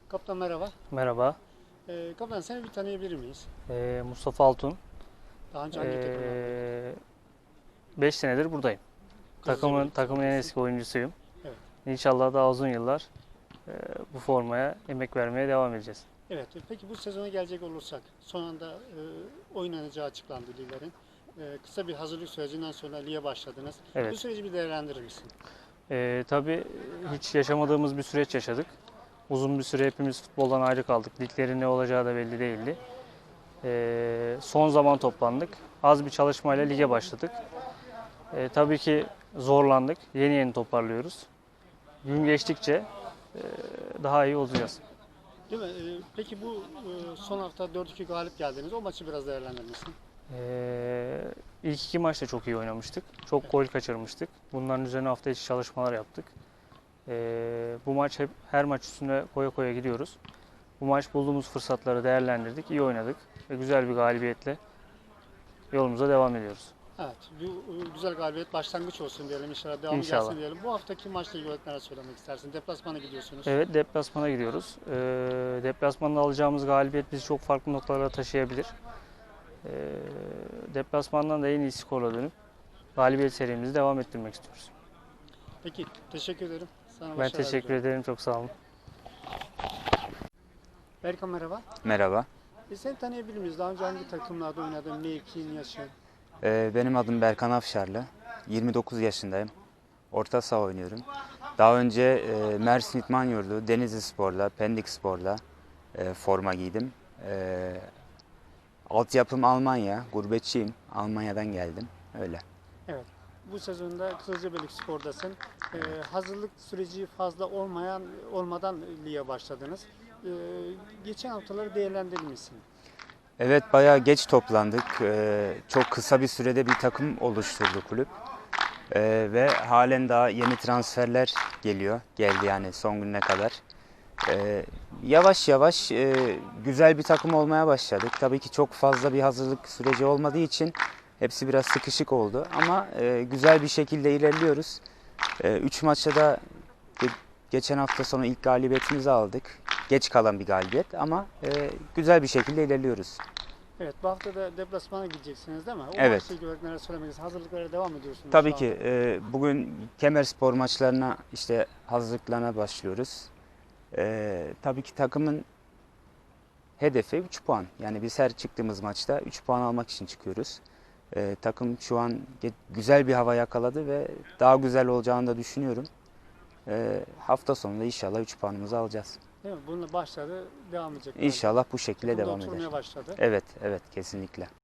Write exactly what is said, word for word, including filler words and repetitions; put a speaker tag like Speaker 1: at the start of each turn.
Speaker 1: Kaptan merhaba.
Speaker 2: Merhaba,
Speaker 1: Ee, kaptan seni bir tanıyabilir miyiz?
Speaker 2: ee, Mustafa Altun.
Speaker 1: Daha önce hangi takımlarda?
Speaker 2: beş senedir buradayım. Takımın
Speaker 1: Kızılcıklı
Speaker 2: takımın en
Speaker 1: Spor'dasın.
Speaker 2: eski oyuncusuyum.
Speaker 1: Evet.
Speaker 2: İnşallah daha uzun yıllar ee, bu formaya emek vermeye devam edeceğiz.
Speaker 1: Evet. Peki bu sezona gelecek olursak son anda e, oynanacağı açıklandı liglerin. E, kısa bir hazırlık sürecinden sonra lige başladınız. Bu
Speaker 2: Evet,
Speaker 1: süreci bir değerlendirir misin?
Speaker 2: ee, tabii hiç yaşamadığımız bir süreç yaşadık. Uzun bir süre hepimiz futboldan ayrı kaldık. Liglerin ne olacağı da belli değildi. Ee, son zaman toplandık. Az bir çalışmayla lige başladık. Ee, tabii ki zorlandık. Yeni yeni toparlıyoruz. Gün geçtikçe ee, daha iyi olacağız.
Speaker 1: Değil mi? E, peki bu e, son hafta dört iki galip geldiniz. O maçı biraz değerlendirir misin?
Speaker 2: Ee, ilk iki maçta çok iyi oynamıştık. Çok gol kaçırmıştık. Bunların üzerine hafta içi çalışmalar yaptık. Ee, bu maç hep her maç üstüne koya koya gidiyoruz. Bu maç bulduğumuz fırsatları değerlendirdik, iyi oynadık ve güzel bir galibiyetle yolumuza devam ediyoruz.
Speaker 1: Evet. Bu e, güzel galibiyet başlangıç olsun diyelim. İnşallah devamı
Speaker 2: İnşallah.
Speaker 1: gelsin diyelim. Bu haftaki maçla ilgili olarak neler söylemek istersin? Deplasmana gidiyorsunuz.
Speaker 2: Evet, deplasmana gidiyoruz. Ee, deplasmanda alacağımız galibiyet bizi çok farklı noktalara taşıyabilir. Ee, deplasmandan da en iyi skorla dönüp galibiyet serimizi devam ettirmek istiyoruz.
Speaker 1: Peki. Teşekkür ederim. Sana
Speaker 2: Ben
Speaker 1: başarılar
Speaker 2: teşekkür
Speaker 1: diliyorum.
Speaker 2: ederim, çok sağ olun.
Speaker 1: Berkan merhaba.
Speaker 3: Merhaba,
Speaker 1: E seni tanıyabilir miyiz? Daha önce hangi takımlarda oynadın? Mevkin, yaşın?
Speaker 3: Ee, benim adım Berkan Afşarlı. yirmi dokuz yaşındayım. Orta saha oynuyorum. Daha önce e, Mersin İdman Yurdu, Denizli Spor'la, Pendik Spor'la e, forma giydim. E, altyapım Almanya, gurbetçiyim. Almanya'dan geldim, öyle.
Speaker 1: Evet. Bu sezonda Kızılcıklı Spor'dasın. E, hazırlık süreci fazla olmayan olmadan lige başladınız. E, geçen haftaları değerlendirir misin?
Speaker 3: Evet, bayağı geç toplandık. E, çok kısa bir sürede bir takım oluşturdu kulüp. E, ve halen daha yeni transferler geliyor, geldi yani son gününe kadar. Ee, yavaş yavaş e, güzel bir takım olmaya başladık. Tabii ki çok fazla bir hazırlık süreci olmadığı için hepsi biraz sıkışık oldu. Ama e, güzel bir şekilde ilerliyoruz. E, üç maçta da ge- geçen hafta sonu ilk galibiyetimizi aldık. Geç kalan bir galibiyet ama e, güzel bir şekilde ilerliyoruz.
Speaker 1: Evet, bu hafta da deplasmana gideceksiniz değil mi? O
Speaker 3: Evet.
Speaker 1: maçla ilgili olarak neler söylemek istersin? Hazırlıklara devam ediyorsunuz
Speaker 3: Tabii
Speaker 1: şu
Speaker 3: ki
Speaker 1: anda.
Speaker 3: e, bugün Kemerspor maçlarına işte hazırlıklarına başlıyoruz. E, tabii ki takımın hedefi üç puan. Yani biz her çıktığımız maçta üç puan almak için çıkıyoruz. Ee, takım şu an güzel bir hava yakaladı ve daha güzel olacağını da düşünüyorum. Ee, hafta sonunda inşallah üç puanımızı alacağız.
Speaker 1: Değil mi? Bununla başladı, devam edecek.
Speaker 3: İnşallah bu şekilde
Speaker 1: Takım da
Speaker 3: devam eder.
Speaker 1: oturmaya başladı.
Speaker 3: Evet, evet kesinlikle.